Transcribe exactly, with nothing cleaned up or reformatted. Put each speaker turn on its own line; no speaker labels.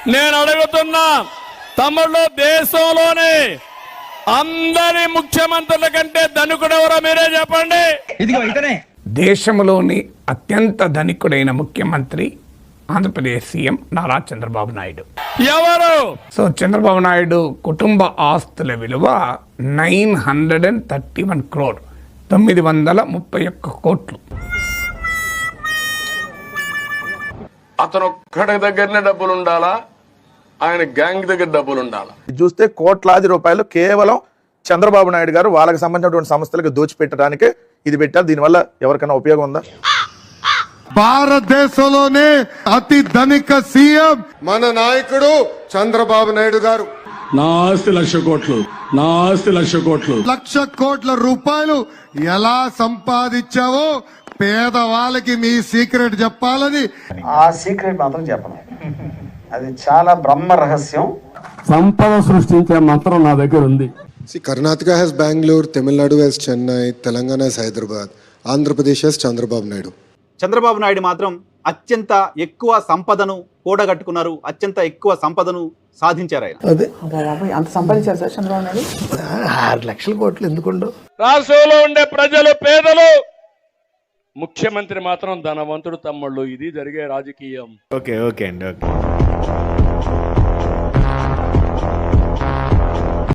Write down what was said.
నేను అడుగుతున్నా తమ్ముళ్ళు, దేశంలోనే అందరి ముఖ్యమంత్రుల కంటే ధనికుడెవరో మీరే చెప్పండి.
దేశంలోని అత్యంత ధనికుడైన ముఖ్యమంత్రి ఆంధ్రప్రదేశ్ సీఎం నారా చంద్రబాబు నాయుడు.
ఎవరు?
సో చంద్రబాబు నాయుడు కుటుంబ ఆస్తుల విలువ nine hundred and thirty one crore తొమ్మిది వందల ముప్పై ఒక్క కోట్లు.
అతను ఒక్కడి దగ్గరనే డబ్బులు ఉండాలా, ఆయన గ్యాంగ్ దగ్గర డబ్బులు ఉండాలా?
చూస్తే కోట్లాది రూపాయలు కేవలం చంద్రబాబు నాయుడు గారు వాళ్ళకి సంబంధించినటువంటి సంస్థలకు దోచిపెట్టడానికే ఇది పెట్టారు. దీనివల్ల ఎవరికైనా ఉపయోగం ఉందా?
భారతదేశంలోనే అతి ధనిక సీఎం మన నాయకుడు చంద్రబాబు నాయుడు గారు.
నా ఆస్తి లక్ష కోట్లు, నా ఆస్తి లక్ష కోట్లు.
లక్ష కోట్ల రూపాయలు ఎలా సంపాదించావో పేదవాళ్ళకి మీ సీక్రెట్ చెప్పాలని.
ఆ సీక్రెట్ మాత్రం చెప్పను, అది చాలా బ్రహ్మ రహస్యం.
సంపద సృష్టించే మంత్రం నా దగ్గర ఉంది.
Karnataka has Bengaluru, Tamil Nadu has Chennai, Telangana has Hyderabad, Andhra Pradesh has Chandrababu Naidu.
Chandrababu Naidu మాత్రం అత్యంత ఎక్కువ సంపదను కూడగట్టుకున్నారు, అత్యంత ఎక్కువ సంపదను సాధించారు. ఆయన
అంత సంపాదించారు సార్ చంద్రబాబు నాయుడు.
ఆరు లక్షల కోట్లు ఎందుకుండో.
రాష్ట్రంలో ఉండే ప్రజలు పేదలు, ముఖ్యమంత్రి మాత్రం ధనవంతుడు తమ్ముళ్ళు. ఇది జరిగే రాజకీయం.
ఓకే ఓకే అండి ఓకే